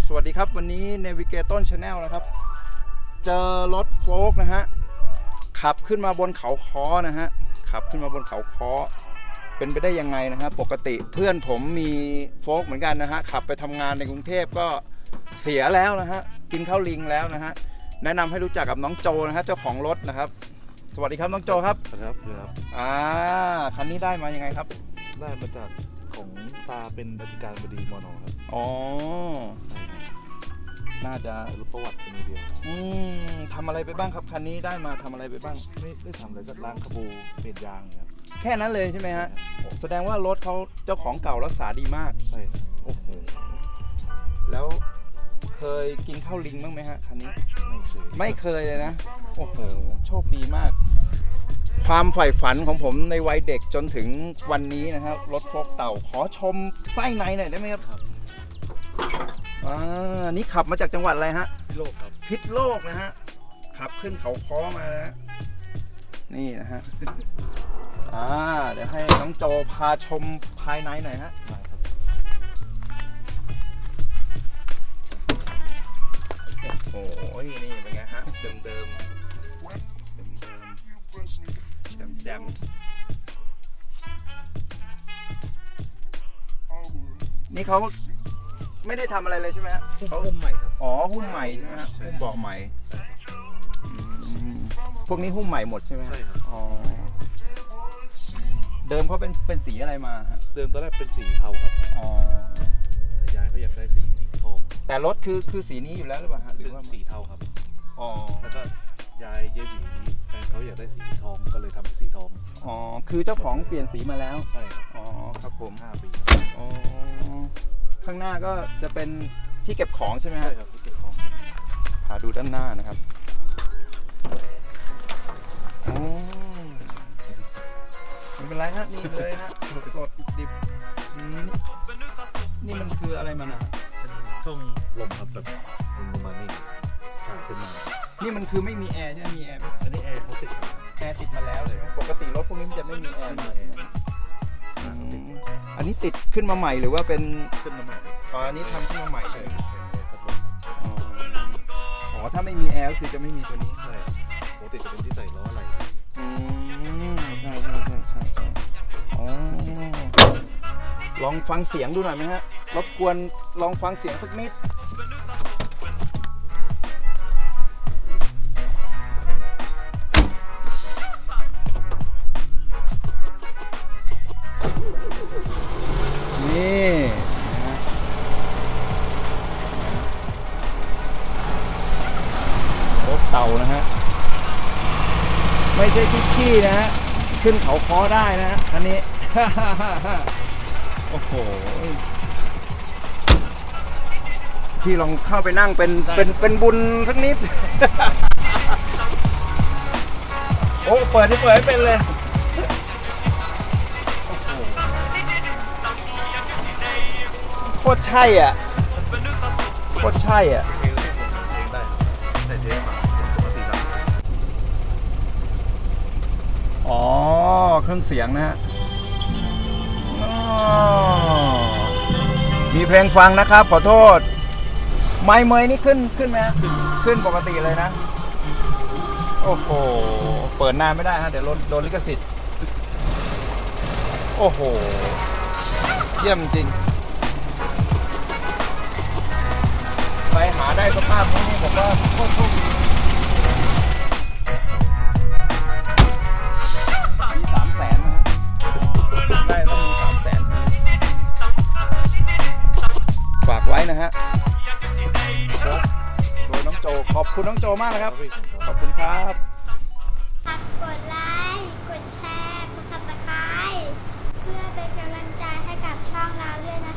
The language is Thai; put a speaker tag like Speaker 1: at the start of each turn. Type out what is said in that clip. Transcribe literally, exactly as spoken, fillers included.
Speaker 1: สวัสดีครับวันนี้ Navigator Channel นะครับเจอรถโฟล์กนะฮะขับขึ้นมาบนเขาค้อนะฮะขับขึ้นมาบนเขาค้อเป็นไปได้ยังไงนะฮะปกติเพื่อนผมมีโฟล์กเหมือนกันนะฮะขับไปทำงานในกรุงเทพก็เสียแล้วนะฮะกินข้าวลิงแล้วนะฮะแนะนำให้รู้จักกับน้องโจนะฮะเจ้าของรถนะครับสวัสดีครับน้องโจครับ
Speaker 2: ครับครับ
Speaker 1: อ่าคันนี้ได้มายังไงครับ
Speaker 2: ได้มาจากของตาเป็นอธิการบดีมน.ครับ
Speaker 1: อ๋อน่าจะ
Speaker 2: รู้ประวัติเป็นเดียว
Speaker 1: อืมทำอะไรไปบ้างครับคันนี้ได้มาทำอะไรไปบ้าง
Speaker 2: ไม่ได้ทำอะไรก็ล้างขบูเปลี่ยนยางครับ
Speaker 1: แค่นั้นเลยใช่ไหมฮะแสดงว่ารถเขาเจ้าของเก่ารักษาดีมาก
Speaker 2: ใช่
Speaker 1: โอ้โหแล้วเคยกินข้าวลิงบ้างไหมฮะคันนี้
Speaker 2: ไม่เคย
Speaker 1: ไม่เคยเลยนะโอ้โหโชคดีมากความใฝ่ฝันของผมในวัยเด็กจนถึงวันนี้นะครับรถโฟล์กเต่าขอชมไส้ในหน่อยได้ไหมครับอ่านี่ขับมาจากจังหวัดอะไรฮะ
Speaker 2: พิษโลกครับ
Speaker 1: พิษโลกนะฮะขับขึ้นเขาค้อมานะนี่นะฮะอ่าเดี๋ยวให้น้องโจพาชมภายในหน่อยฮะโอ้โหนี่เป็นไงฮะเดิมเดิมเดิมเดิมแจมแจมนี่เขาไม่ได้ทำอะไรเลยใช่ไหมฮะ
Speaker 2: เขาหุ้มใหม่ครับ
Speaker 1: อ๋อหุ้มใหม่ใช่ไหมฮะหุ้มเบาะใหม่พวกนี้หุ้มใหม่หมดใช่ไหม
Speaker 2: ใช่ครับ
Speaker 1: อ๋อเดิมเขาเป็นเป็นสีอะไรมาฮะ
Speaker 2: เดิมตอนแรกเป็นสีเทาครับ
Speaker 1: อ๋อ
Speaker 2: แต่ยายเขาอยากได้สีทอง
Speaker 1: แต่รถคือคือสีนี้อยู่แล้วหรือเปล่าฮะหรือว่า
Speaker 2: สีเทาครับ
Speaker 1: อ๋อ
Speaker 2: แล้วก็ยายเยบีแฟนเขาอยากได้สีทองก็เลยทำเป็นสีทอง
Speaker 1: อ๋อคือเจ้าของเปลี่ยนสีมาแล้ว
Speaker 2: ใช่ครับ
Speaker 1: อ๋อครับผม
Speaker 2: ห้าปี
Speaker 1: อ๋อข้างหน้าก็จะเป็นที่เก็บของใช่ไหมฮะ
Speaker 2: ใช่ครับที่เก็บของ
Speaker 1: พาดูด้านหน้านะครับโอ้ไม่เป็นไรฮะนี่เลยฮะสดดิบนี่มันคืออะไรมันอ่ะ
Speaker 2: ช่องลมครับแบบลงมานี่ผ่านขึ้นมา
Speaker 1: นี่มันคือไม่มีแอร์ใช่ไหมมีแอร์
Speaker 2: อันนี้แอร์เขาติด
Speaker 1: แอร์ติดมาแล้วใช่ไหมปกติรถพวกนี้มันจะไม่มีแอร์อันนี้ติดขึ้นมาใหม่หรือว่าเป็น
Speaker 2: ขึ้นมาใหม่
Speaker 1: อ๋ออันนี้ทำขึ้นมาใหม่เลยอ๋อถ้าไม่มีแอร์ก็คือจะไม่มีตัวนี้
Speaker 2: ใช่ปกติจะเป็นที่ใส่ล้ออะไร
Speaker 1: อืมใช่ใช่ใช่ใช่ใช่อ๋อลองฟังเสียงดูหน่อยไหมฮะรบกวนลองฟังเสียงสักนิดนี่นะรถเต่านะฮะไม่ใช่ขี้ๆนะฮะขึ้นเขาค้อได้นะฮะคันนี้ โอ้โหพี่ลองเข้าไปนั่งเป็นเป็นเป็นบุญสักนิด โอ้เปิดที่เปิดให้เป็นเลยโคตรใช่อ่ะโคตรใช่อ่ะอ๋อเครื่องเสียงนะฮะมีเพลงฟังนะครับขอโทษไมค์เมยนี่ขึ้นขึ้นไหมขึ้นปกติเลยนะโอ้โหเปิดนานไม่ได้ฮะเดี๋ยวโดนลิขสิทธิ์โอ้โหเยี่ยมจริงไปหาได้สภาพนี้ผมว่าโคตรโชคดีมีสามแสนนะได้ต้องมีสามแสนฝากไว้นะฮะโดยน้องโจขอบคุณน้องโจมากนะครับขอบคุณครับ
Speaker 3: ฝากกดไลค์กดแชร์กดซับสไครบ์เพื่อเป็นกำลังใจให้กับช่องเราด้วยนะ